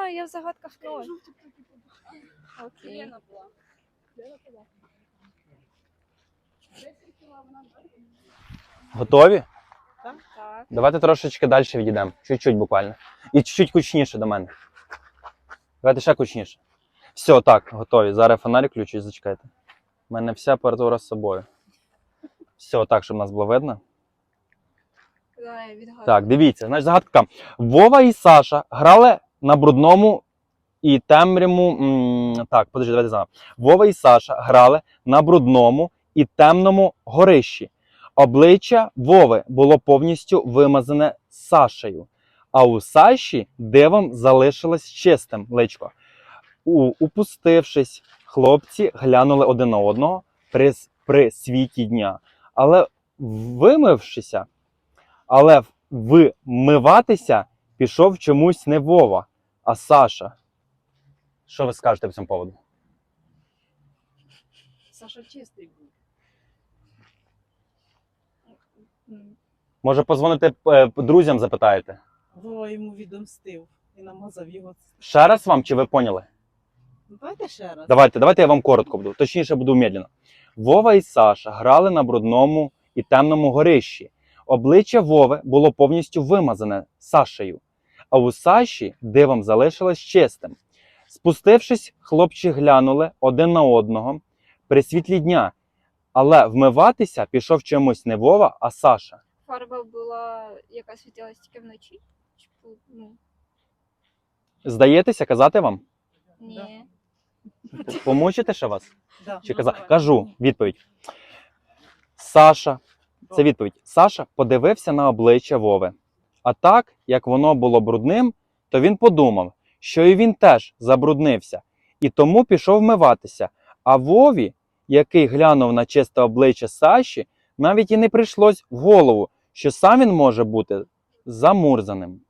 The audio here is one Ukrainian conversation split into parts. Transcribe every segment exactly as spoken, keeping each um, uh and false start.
знаю, я в загадках ноль. Окей. Готові? Так. Давайте трошечки далі відійдемо. Чуть-чуть буквально. І чуть-чуть кучніше до мене. Давайте ще кучніше. Все, так, готові. Зараз фонарик включу, зачекайте. У мене вся апаратура з собою. Все, так, щоб нас було видно. Давай, відгадую. Так, дивіться, значить загадка. Вова і Саша грали на брудному і темрявому... м, Так, подожди, давайте заново. Вова і Саша грали на брудному і темному горищі. Обличчя Вови було повністю вимазане Сашею, а у Саші дивом залишилось чистим личко. У, упустившись, хлопці глянули один на одного при, при світі дня. Але вимившися, але вмиватися пішов чомусь не Вова, а Саша. Що ви скажете по цьому поводу? Саша чистий був. Може, позвоните е, друзям, запитаєте? Вова йому відомстив і намазав його. Ще раз вам, чи ви поняли? Ну, давайте ще раз. Давайте, давайте я вам коротко буду, точніше буду медленно. Вова і Саша грали на брудному і темному горищі. Обличчя Вови було повністю вимазане Сашею, а у Саші дивом залишилось чистим. Спустившись, хлопці глянули один на одного при світлі дня, але вмиватися пішов чомусь не Вова, а Саша. Фарба була, яка світилась тільки вночі? Чи, ну, Здаєтеся, казати вам? ні. Помучите ще вас? Да. Чи казати? Кажу, відповідь. Саша, це відповідь. Саша подивився на обличчя Вови. А так, як воно було брудним, то він подумав, що і він теж забруднився, і тому пішов вмиватися. А Вові, який глянув на чисте обличчя Саші, навіть і не прийшлось в голову, що сам він може бути замурзаним.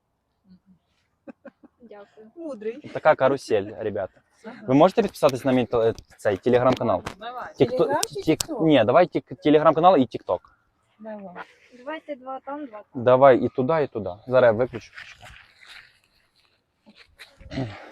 Дякую. Мудрий. Така карусель, ребята. Ви можете підписатись на мій те- цей телеграм-канал? Давай. Тікто- Телеграм чи тік- тікток? Ні, давай тік- телеграм-канал і тікток. Давай. Давайте два там, два там. Давай і туди, і туди. Зараз я виключу.